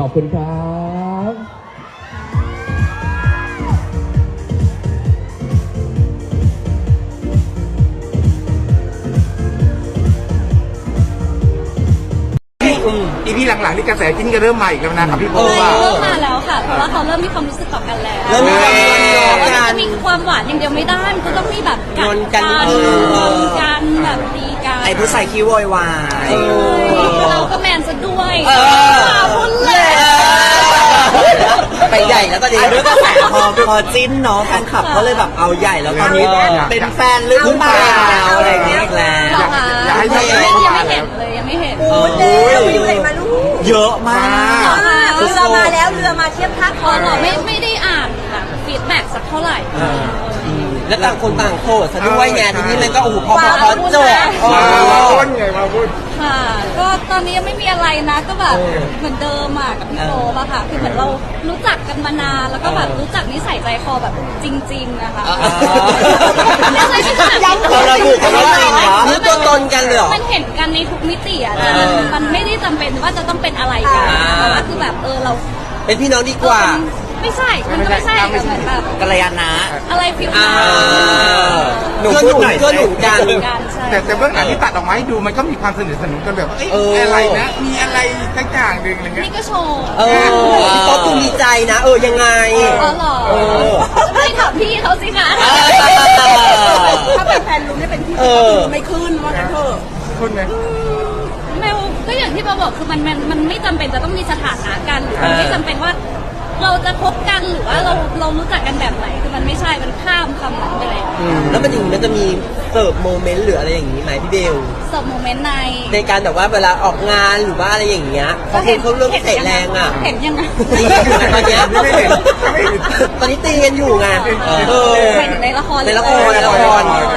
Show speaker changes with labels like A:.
A: อบคุณครับ
B: อีพีหลังๆนี่กระแสจิ้นก็เริ่มมาอีกแล้วนะครับพี่โบ
C: ใช่
B: ว่า
C: เริ่มมาแล้วค่ะ เพราะว่าเขาเริ่มมีความรู้สึกต่อกันแล้ว
D: เริ่มมีความงอน
C: มัน
D: กั
C: จะ
D: น
C: มีความหวานอย่างเดียวไม่ได้มันก็ต้องมีแบบกัด
D: งอนกัน
C: งอนกันแบบตีกัน
D: ไอ้ผู้ใส่คิ้วโวยวาย
C: เราก็แมนซะด้วย
D: พุ่นเลยไปใหญ่แล้วตอนนี้ด้วยกระแสพอจิ้นเนาะแฟนคลับก็เลยแบบเอาใหญ่แล้วตอนนี้เป็นแฟนหรือเปล่าอะไรอย่างเงี้ยอีกแล้ว
C: เหรอคะ
B: อยากให้
C: ยัง
B: เห็น
C: ไม่เห็นเลยยังไม่เห็น
D: โอ้ยไปดูไหนมาลูกเยอะมาก
C: เรือมาแล้ว
E: เรือมาเทียบท่า
C: พอเราไม่ได้อ่านแบบฟีดแบ็กสักเท่าไหร่
D: แล้วต่างคนต่างโคตรซะด้วยไงทีนี้มันก็โอ้โหพอจบ
B: มาพูดไงมาพูด
C: ค่ะ ก็ตอนนี้ยังไม่มีอะไรนะ ก็แบบเหมือนเดิมอะกับพี่โตป่ะค่ะ คือเหมือนเรารู้จักกันมานาน แล้วก็แบบรู้จักนิสัยใจคอแบบจริงๆนะคะไม่ใช่ที่แบบ
D: เราระบุกันว่าจริงเหรอนี่ตัวตนกันเลยเหรอ
C: มันเห็นกันในทุกมิติอะนะมันไม่ได้จำเป็นว่าจะต้องเป็นอะไรกันแต่ว่าคือแบบเรา
D: เป็นพี่น้องดีกว่า
C: ไม่ใช่ มันก็ไม่ใช่แต่เหมือนแบบ
D: กัลยาณะ
C: อะไรฟิวนั้น
D: หนูพูดหน่อยเพื่อนหนุนกัน
C: กันใช่
B: แต่เบื้องหลังที่ตัดออกมาให้ดูมันก็มีความสนิทสนมกันแบบอะไรนะมีอะไรสักอย่างหนึ่งอะไรเงี้ย
C: นี่ก็โชว์
D: พี่ป๊อปดูมีใจนะยังไง
C: อ๋อเหรอไม่ถามพี่เขาสิคะ
E: ถ้าเป็นแฟนลุงเนี่ยเป็นพี่ไม่ขึ้นว่ากันเถอะ
B: คุณไง
C: แมวก็อย่างที่เราบอกคือมันไม่จำเป็นจะต้องมีสถานะกันหรือมันไม่จำเป็นว่าเราจะคบกันหรือว่าเรารู้จักกันแบบไหนคือมันไม่ใช่มันข้ามคำนั้นไปแล้ว
D: แล้วมันอย่างนี้มันจะมีเสิร์ฟโมเมนต์หรืออะไรอย่างนี้ไหมพี่เบล
C: สมโมเมนต์ใน
D: ในการแบบว่าเวลาออกงานหรือว่าอะไรอย่างเงี้ยเพราะคนเขาเริ่มเตะแรงอ่ะ
C: เห็นยังไง
D: ตีกันอยู่ตอนเนี้ย
B: ไม่เห็นไม่เห็น
D: ตอนนี้ตีกันอยู่ไง
C: เห็นในละคร
D: ในละคร